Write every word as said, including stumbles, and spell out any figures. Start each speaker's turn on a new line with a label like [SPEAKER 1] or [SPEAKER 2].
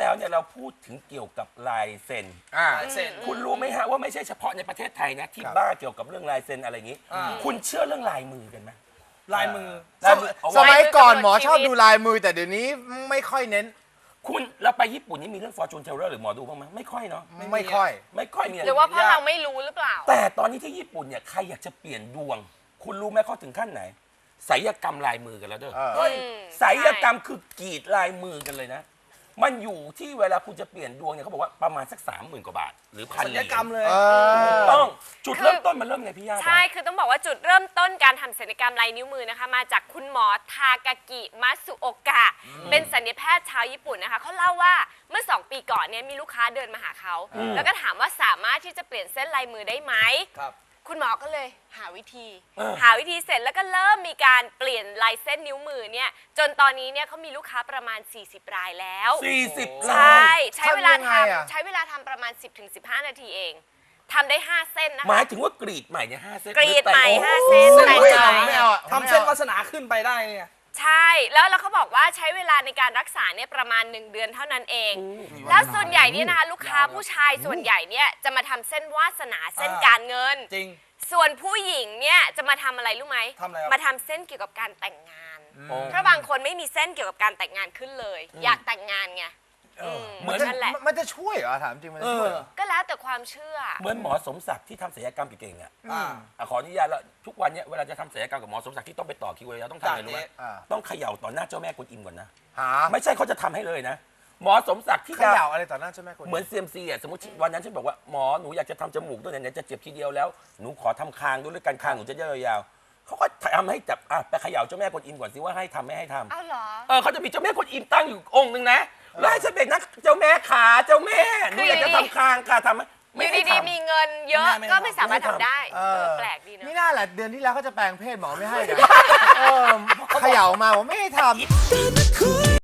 [SPEAKER 1] แล้วเนี่ยเราพูดถึงเกี่ยวกับลายเซ็น
[SPEAKER 2] อ่า
[SPEAKER 3] เซ็น
[SPEAKER 1] คุณรู้ไหมฮะว่าไม่ใช่เฉพาะในประเทศไทยนะที่บ้าเกี่ยวกับเรื่องลายเซ็นอะไรอย่างนี้
[SPEAKER 3] อ่า
[SPEAKER 1] คุณเชื่อเรื่องลายมือกันไหม
[SPEAKER 3] ลายมือ
[SPEAKER 1] ลายมือ
[SPEAKER 2] สมัยก่อน
[SPEAKER 4] ลายมือ
[SPEAKER 2] หมอชอบ
[SPEAKER 4] ชีวิต
[SPEAKER 2] ดูลายมือแต่เดี๋ยวนี้ไม่ค่อยเน้น
[SPEAKER 1] คุณเราไปญี่ปุ่นนี่มีเรื่อง fortune teller หรือหมอดูบ้างไหมไม่ค่อยเนาะ
[SPEAKER 2] ไม่ค่อย
[SPEAKER 1] ไม่ค่อยมีะไ
[SPEAKER 4] หรือว่าเพราะเราไม่รู้หรือเปล่า
[SPEAKER 1] แต่ตอนนี้ที่ญี่ปุ่นเนี่ยใครอยากจะเปลี่ยนดวง คุณรู้ไหมเขาถึงขั้นไหนศิลปกรรมลายมือกันแล้วเด้อ
[SPEAKER 2] เออ
[SPEAKER 3] เฮ้ย
[SPEAKER 1] ศิลปกรรมคือกรีดลายมือกันเลยนะ มันอยู่ที่เวลาคุณจะเปลี่ยนดวงเนี่ยเขาบอกว่าประมาณสักสามหมื่นกว่าบาท หรือพัน
[SPEAKER 3] ศัลยกรรมเลย
[SPEAKER 2] เออ
[SPEAKER 1] ต้องจุด
[SPEAKER 4] คือ
[SPEAKER 1] เริ่มต้นมันเริ่มไงพี่ย่า
[SPEAKER 4] ใช่ คือต้องบอกว่าจุดเริ่มต้นการทำศัลยกรรมลายนิ้วมือนะคะ มาจากคุณหมอทากากิมัตสึโอกะ เป็นศัลยแพทย์ชาวญี่ปุ่นนะคะ เขาเล่าว่าเมื่อสองปีก่อนเนี่ยมีลูกค้าเดินมาหาเขา แล้วก็ถามว่าสามารถที่จะเปลี่ยนเส้นลายมือได้ไหม
[SPEAKER 3] ครับ
[SPEAKER 4] คุณหมอก็เลยหาวิธี หาวิธีเสร็จแล้วก็เริ่มมีการเปลี่ยนลายเส้นนิ้วมือเนี่ยจนตอนนี้เนี่ยเขามีลูกค้าประมาณ สี่สิบ รายแล้ว
[SPEAKER 1] สี่สิบ
[SPEAKER 4] ใช
[SPEAKER 1] ล้า
[SPEAKER 4] ่
[SPEAKER 1] น
[SPEAKER 4] ใช้เวลา
[SPEAKER 2] ทำยังไงอะ
[SPEAKER 4] ทำใช้เวลาทำประมาณ สิบถึงสิบห้า นาทีเองทำได้ ห้า เส้นนะ
[SPEAKER 1] หมา
[SPEAKER 4] คะ
[SPEAKER 1] ยถึงว่ากรีดใหม่เนี่ยห้าเส้น
[SPEAKER 4] กรีดใหม่
[SPEAKER 1] รือแต่ง
[SPEAKER 4] ห้าเส้น
[SPEAKER 1] โอ้
[SPEAKER 4] แต่ง
[SPEAKER 1] โห
[SPEAKER 4] ใหม่
[SPEAKER 2] ไม่เอาอะ
[SPEAKER 3] ทำเส้นวาสนาขึ้นไปได้เนี่ย
[SPEAKER 4] ใช่ แล้วแล้วเขาบอกว่าใช้เวลาในการรักษาเนี่ยประมาณ หนึ่ง เดือนเท่านั้นเอง แล้วส่วนใหญ่เนี่ยนะคะลูกค้าผู้ชายส่วนใหญ่เนี่ยจะมาทำเส้นวาสนาเส้น
[SPEAKER 3] อ่า
[SPEAKER 4] การเงิน
[SPEAKER 3] จริง
[SPEAKER 4] ส่วนผู้หญิงเนี่ยจะมาทำอะไรรู้ไหม
[SPEAKER 3] ทำอะไรครับ
[SPEAKER 4] มาทำเส้นเกี่ยวกับการแต่งงาน
[SPEAKER 1] โอ้
[SPEAKER 4] เพราะบางคนไม่มีเส้นเกี่ยวกับการแต่งงานขึ้นเลย อยากแต่งงานไงม
[SPEAKER 1] เหมือน
[SPEAKER 4] นั่นแหละ
[SPEAKER 2] มันจะช่วยเหรอถามจริงมันจะช่วยเหรอ
[SPEAKER 4] ก็แล้วแต่ความเชื่อ
[SPEAKER 1] เหมือนหมอสมศักดิ์ที่ทำศัลยกรรมเก่งๆอ่ะ
[SPEAKER 3] อ่า
[SPEAKER 1] อ่ะขออนุญาตแล้วทุกวันเนี่ยเวลาจะทำศัลยกรรมกับหมอสมศักดิ์ที่ต้องไปต่อคิวเลยต้องทำอะไรรู้ไหม
[SPEAKER 2] อ่า
[SPEAKER 1] ต้องเขย่าต่อหน้าเจ้าแม่กวนอิมก่อนนะ
[SPEAKER 2] หา
[SPEAKER 1] ไม่ใช่เขาจะทำให้เลยนะ หมอสมศักดิ์ที่
[SPEAKER 2] เขย่าอะไรต่อหน้าใช่ไหมคน
[SPEAKER 1] เหมือนเซียมซีอ่ะสมมติวันนั้นฉันบอกว่าหมอหนูอยากจะทำจมูกด้วยเนี่ยจะเจ็บทีเดียวแล้วหนูขอทำคางด้วยแล้วกันคางหนูจะยาวๆเขาก็ทำให้จับอ่ะไปเขย่าเจ้าแม่กวนอิมก่อนสิว่าให้ทำไม่ให้ทำ
[SPEAKER 4] อ้าวเหรอ
[SPEAKER 1] เออเขาจะมีเจ้าแม่กวนอิมตั้งอยู่องค์หนึ่งนะแล้วให้ฉันเป็นนักเจ้าแม่ขาเจ้าแม่หนูอยากจะทำคางค่ะทำไหม
[SPEAKER 4] อ
[SPEAKER 1] ไม่
[SPEAKER 4] ยู่
[SPEAKER 1] ให้
[SPEAKER 4] ดี
[SPEAKER 1] ทำ
[SPEAKER 4] ๆมีเงินเยอะ
[SPEAKER 3] ไม่ให้
[SPEAKER 4] ก็ไม่สามารถทำได้
[SPEAKER 2] เอ
[SPEAKER 4] เอ
[SPEAKER 2] อ
[SPEAKER 4] อแปลกดีเนอะ
[SPEAKER 2] นี่น่าแหละเดือนที่แล้วเขาจะแปลงเพศหมอไม่ให้นะเออเขย่ามาผมไม่ให้ทำ